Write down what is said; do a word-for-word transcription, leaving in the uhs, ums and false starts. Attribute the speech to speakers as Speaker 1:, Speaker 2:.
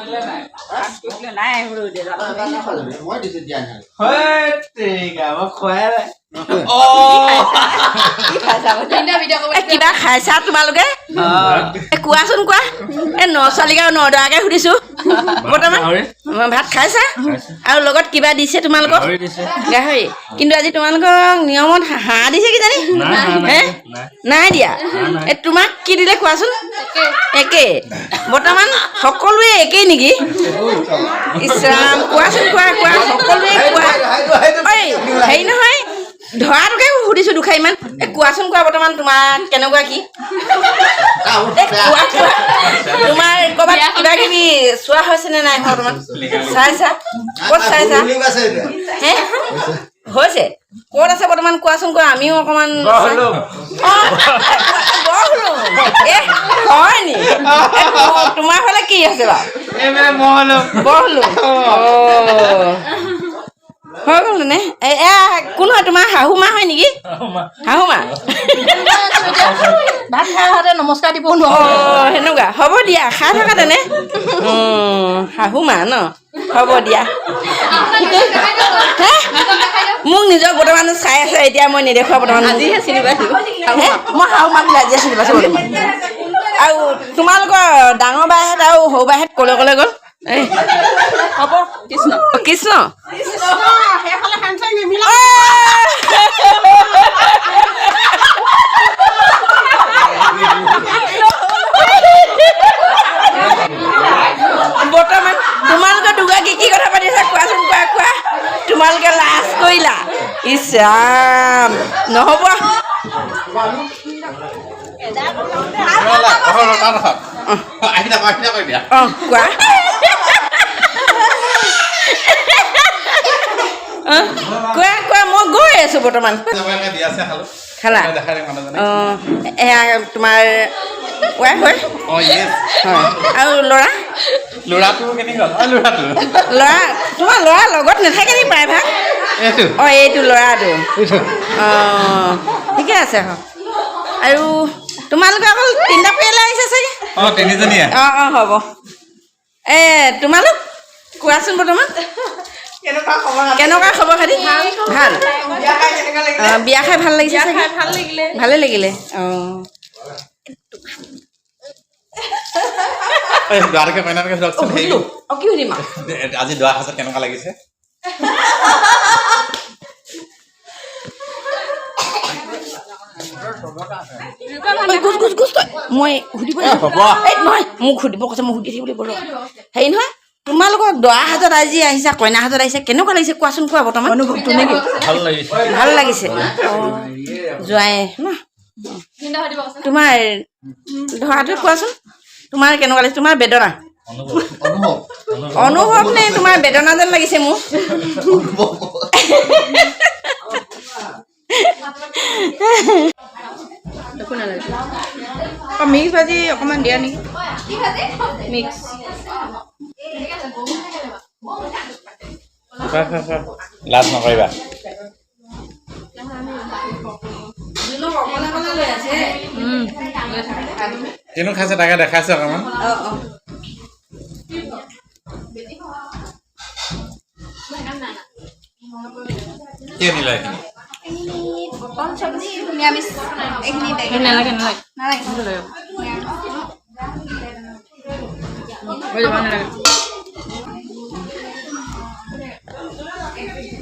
Speaker 1: নাই
Speaker 2: মই দিছো দিয়া নাই
Speaker 3: হয় তেৰিকা মই খোৱাই নাই
Speaker 1: কিবা খাইছা তোমালোকে কোৱাচোন কোৱা এই ন ছোৱালীক আৰু নদৰাকে সুধিছো বৰ্তমান ভাত খাইছা আৰু লগত কিবা দিছে তোমালোকক গাহৰি কিন্তু আজি তোমালোকক নিয়মত হাঁহ দিছে কি জানি হে নাই দিয়া এই তোমাক কি দিলে কোৱাচোন একে বৰ্তমান সকলোৱে একেই নেকি ইছৰাম কোৱাচোন কোৱা কোৱা সকলোৱে কোৱা ঐ হেৰি নহয় ধৰাটোকে সুধিছো দুখাৰ ইমান এই কোৱাচোন কোৱা বৰ্তমান তোমাৰ কেনেকুৱা কি তোমাৰ ক'ৰবাত কিবা কিবি চোৱা হৈছে নে নাই বৰ্তমান চাইছা ক'ত চাইছা হে হৈছে ক'ত আছে বৰ্তমান কোৱাচোন কোৱা আমিও অকণমান হয় নি তোমাৰ ফালে কি আছে বাৰু বহলো হৈ গ'ল নে এয়া কোন হয় তোমাৰ শাহু মা হয় নেকি শাহু মা
Speaker 4: ভাত খাই আহোঁতে নমস্কাৰ দিব নোৱাৰো
Speaker 1: অঁ সেনেকুৱা হ'ব দিয়া খাই থকা তেনে শাহু মা ন হ'ব দিয়া মোক নিজৰ বৰ্তমান চাই আছে এতিয়া মই নেদেখুৱা বৰ্তমান আজিহে চিনি পাইছোঁ মই শাহু মাক আজিহে চিনি পাইছোঁ বৰ্তমান আৰু তোমালোকৰ ডাঙৰ বাইহেঁত আৰু সৰু বাইহেঁত ক'লৈ ক'লৈ গ'ল
Speaker 4: হ'ব কৃষ্ণ
Speaker 1: কৃষ্ণ
Speaker 4: সেইফালে হেণ্ডছেক নিমিলা
Speaker 1: বৰ্তমান তোমালোকে দুগৰাকী কি কথা পাতিছা কোৱাচোন কোৱা কোৱা তোমালোকে লাজ কৰিলা ইছ ৰাম নহ'ব অঁ কোৱা কোৱা কোৱা মই গৈ আছো বৰ্তমান খালা অঁ এয়া তোমাৰ ৱাইফ হয় হয় আৰু ল'ৰা
Speaker 3: ল'ৰাটো কেনেকুৱা ল'ৰাটো
Speaker 1: ল'ৰা তোমাৰ ল'ৰা লগত নাথাকে নি প্ৰায়ভাগ অঁ এইটো ল'ৰাটো অঁ ঠিকে আছে আৰু তোমালোকে অকল তিনিটা পৰিয়ালে আহিছে চাগে
Speaker 3: অঁ তিনিজনীয়ে
Speaker 1: অঁ অঁ হ'ব এই তোমালোক কোৱাচোন বৰ্তমান কেনেকুৱা খবৰ খাতি ভাল অঁ বিয়া খাই ভাল লাগিছে চাগে
Speaker 4: ভাল লাগিলে
Speaker 1: ভালে লাগিলে অঁ
Speaker 3: দৰাকে কইনাকে যাওকচোন
Speaker 1: অঁ কি সুধিম
Speaker 3: আজি দৰা সাজত কেনেকুৱা লাগিছে
Speaker 1: গুচ গুচ গুচ তই মই সুধিব এই নহয় মোক সুধিব কৈছে মই সুধি থাকিব লাগিব হেৰি নহয় তোমালোকক দৰা হাতত আজি আহিছা কইনা হাতত আহিছে কেনেকুৱা লাগিছে কোৱাচোন কোৱা বৰ্তমান অনুভৱটো নেকি
Speaker 3: ভাল লাগিছে
Speaker 1: ভাল লাগিছে যোৱাই ন তোমাৰ ধৰাটো কোৱাচোন তোমাৰ কেনেকুৱা লাগিছে তোমাৰ বেদনা অনুভৱ নে তোমাৰ বেদনা যেন লাগিছে মোৰ
Speaker 4: মিক্স ভাজি অকণমান দিয়া নেকি মিক্স
Speaker 3: লাজ নকৰিবা কিনো খাইছে তাকে দেখাইছে অকণমান কি আনিলা এইখিনি
Speaker 4: নিৰামিষ নালাগে নালাগে নালাগে